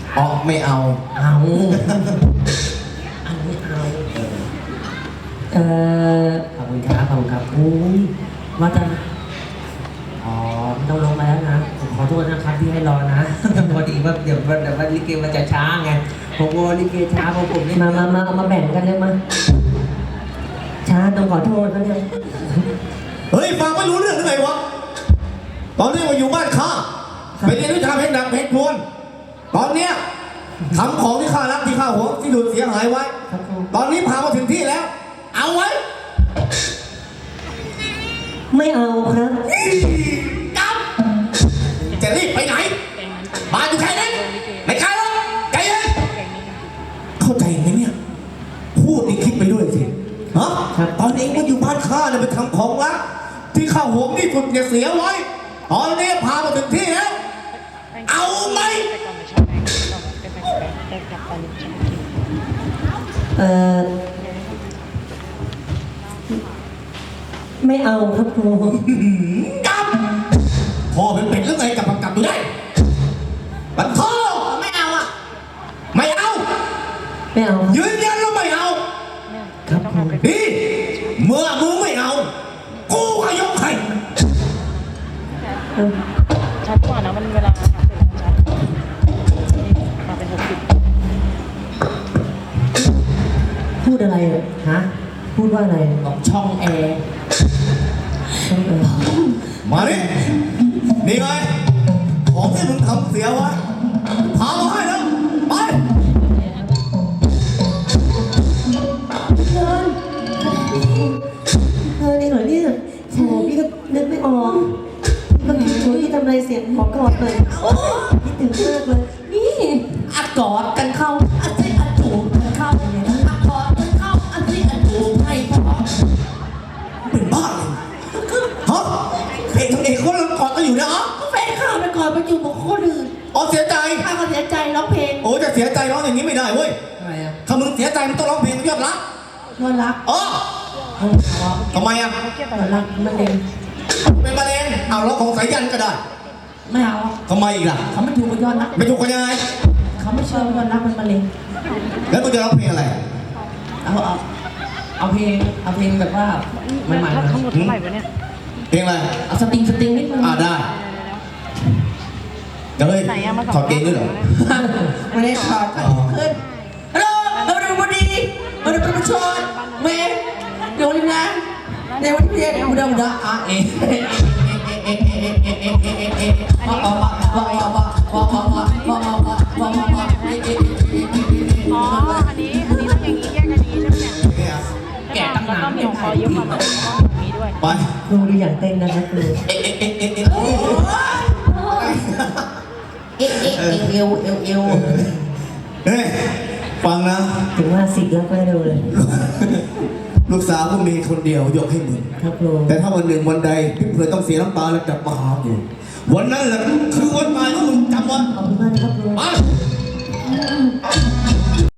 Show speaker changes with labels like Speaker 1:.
Speaker 1: อ๋อไม่เอา
Speaker 2: เอาอันนี้เอาขอบคุณครับขอบคุณครับอุ้ยว่าจะอ๋อต้องลงมาแล้วนะผมขอโทษนะครับที่ให้รอนะพอดีว่าเดี๋ยวลิเกมันจะช้าไงผมกลัวลิเกช้าเพราะผมนี่มาเอามาแบ่งกันเลยมาช้าต้องขอโทษนะเนี่ย
Speaker 1: เฮ้ยฟังไม่รู้เรื่องหรือไงวะตอนนี้มาอยู่บ้านข้าไปเรียนวิชาเพชรดังเพชรพวนตอนเนี้ยทำของที่ข้ารักที่ข้าหวงที่ดูดเสียหายไว้ตอนนี้พามาถึงที่แล้ว เอาไว้
Speaker 2: ไม่เอาครับ
Speaker 1: กำจะรีบไปไหนมาอยู่แค่นั้นไม่ใช่หรอกใจเย็นเข้าใจไหมเนี่ยพูดนี่คิดไปด้วยสิฮะตอนเองก็อยู่บ้านข้าเนี่ยไปทำของรักที่ข้าหวงที่สุดเนี่ยเสียไว้ตอนนี้พามาถึงที่แล้วเอาไหม
Speaker 2: ไม่เอาครับครู
Speaker 1: กำพ่อเป็นเป็ดหรือไงกลับดูได้บันพ่อไม่เอาอ่ะไม่เอายืนยันแล้วไม่เอา
Speaker 2: ครับครู
Speaker 1: ดีเมื่อมึงไม่เอากูก็ยกให้
Speaker 3: ชัดกว่านะมันเวลาชัดมาเป็น60
Speaker 2: พูดอะไรฮะพูดว่าอะไร
Speaker 1: ต้องช่องแอร์มาดินี่ไงของที่มึงทำเสียไว้พามาให้แล้วไป
Speaker 2: นี่เหรอเนี่ยโอ้พี่ก็นึกไม่ออกก็คิดว่าพี่ทำอะไรเสียงขอกอดหน่อยคิดถึงมากเลยนี่
Speaker 4: อัดกอดกันเข้าอัดที่อัดจูบกันเข้าอัดกอดกันเข้าอัดที่อัดจูบให้พอ
Speaker 1: เป็นบ้าเลยฮะเอกทำเอกคนละกอดกันอยู่นะอ๋อ
Speaker 4: แฟนข้าไปก่อนไปจูบกับคนอื่น
Speaker 1: อ๋อเสียใจ
Speaker 4: ข้าก็เสียใจร้องเพลง
Speaker 1: โอ้จะเสียใจร้องอย่างนี้ไม่ได้เว้ย
Speaker 2: ทำไมอ่ะ
Speaker 1: ถ้ามึงเสียใจมึงต้องร้องเพลงยอดรักอ๋อทำไมอ่ะ
Speaker 2: ยอดรักมันเอง
Speaker 1: เป็นมะเร็งเอาร้องของสายยันก็ได้
Speaker 4: ไม่เอา
Speaker 1: ทำไมอีกล่ะ
Speaker 4: เขาไม่ถูกกับยอดรัก
Speaker 1: ไม่ถูกกันยังไง
Speaker 4: เขาไม่เชื่อยอดรักมันมะเร็ง
Speaker 1: แล้วมึงจะร้องเพลงอะไร
Speaker 4: เอาเพลงแบบว่า
Speaker 3: ใหม่ๆทั้งหมดเท่าไหร่วะเนี่ย
Speaker 1: เพลงอะไร
Speaker 4: เอาสติงนิดนึง
Speaker 1: ได้จะเลยถอดเกงด้วยเหรอ
Speaker 4: ไม่ได้ถอดขึ้นฮัลโหลวันดีประชดเมย์เดี๋ยวนี้นะในวันที่อุดม
Speaker 3: อ๋ออันนี้ต้องอย่างนี้แยกกันนี้ใช่ไหมเนี่ย
Speaker 4: แกะตั้งนาน
Speaker 3: ไม่ขอเยอะกว่านี้ด้วย
Speaker 1: ไป
Speaker 2: ครูดูอย่างเต้นนะครับครู
Speaker 1: เฮ้ยฟังนะ
Speaker 2: ถึงว่าสิแล้วก็ดูเลย
Speaker 1: ลูกสาวก็มีคนเดียวยกให้มึง
Speaker 2: ครับครู
Speaker 1: แต่ถ้าวันหนึ่งวันใดพี่เพื่อต้องเสียน้ำตาแล้วกลับมาหากูวันนั้นแหละคือวันตายของมึงจำไว้
Speaker 2: ขอบคุณมากนะครับครู